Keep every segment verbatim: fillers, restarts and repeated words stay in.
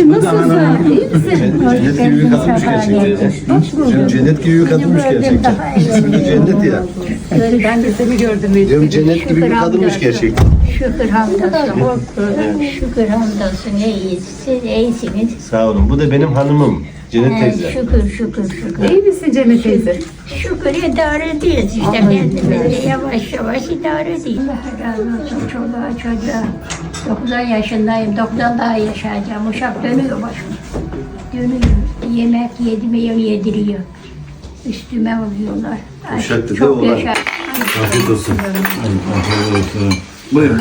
Anneciğim nasılsın? İyi misin? Cennet gibi bir kadınmış gerçekten. Şimdi cennet gibi bir kadınmış gerçekten. İsmi cennet ya. Ben de seni gördüm. Diyorum cennet gibi bir kadınmış gerçekten. Şükür hamdolsun. Şükür hamdolsun. İyiyiz. Siz iyisiniz. Sağ olun. Bu da benim hanımım. Cennet Ee, teyze. Şükür şükür şükür. İyi misin Cennet teyze? Şükür idare ediyoruz işte. Kendimizi yavaş yavaş idare ediyoruz. Allah razı olsun. Çoluğa çocuğa. doksan yaşındayım. doksan daha yaşayacağım. Uşak dönüyor başıma. Dönüyor. Yemek yediriyor, yediriyor. Üstüme oluyorlar. Ay, Uşak da çok olan. yaşa. Afiyet olsun. Buyurun.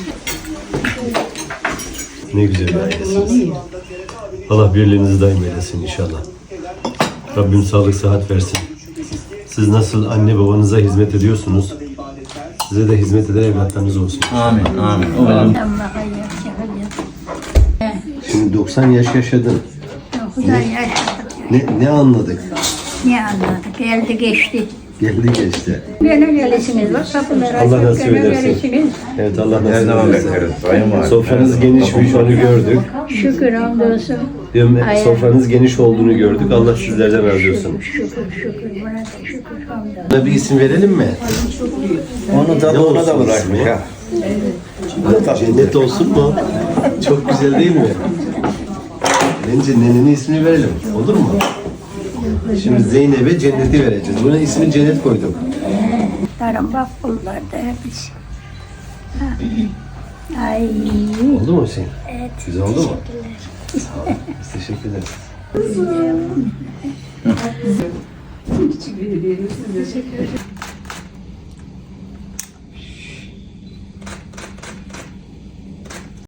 Ne güzel bir ailesiniz. Allah birliğinizi daim eylesin inşallah. Rabbim sağlık sıhhat versin. Siz nasıl anne babanıza hizmet ediyorsunuz, size de hizmet eden evlatlarınız olsun. Amin, amin. Umarım. Allah'a yaşa. Şimdi doksan yaş yaşadın. doksan yaşadık. Ne, ne anladık? Ne anladık? Geldi geçti. Geldi geçti. Gene gelişiniz var. Kapıları Allah açıp nasip gene edersin. gelişiniz. Evet Allah Her nasip zaman edersin. bekleriz. Sayın var. Sofranız genişmiş onu gördük. Şükür hamdolsun. Diyorum, Aynen. sofranız geniş olduğunu gördük. Allah sizlerden razı olsun. Şükür şükür. Buna da şükür hamdolsun. Buna bir isim verelim mi? Onu da Ne ona da olsun bırakmış ismi? ha. Cennet olsun mu? Çok güzel değil mi? Bence nenenin ismini verelim. Olur mu? Şimdi Zeynep'e Cennet'i vereceğiz. Buna ismini Cennet koyduk. Tarım bak bunlar da hepsi. Ay. Oldu mu Hüseyin? Evet. Güzel oldu mu? Sağ olun. Biz teşekkür ederiz. Teşekkür ederim. Siz de teşekkür ederim.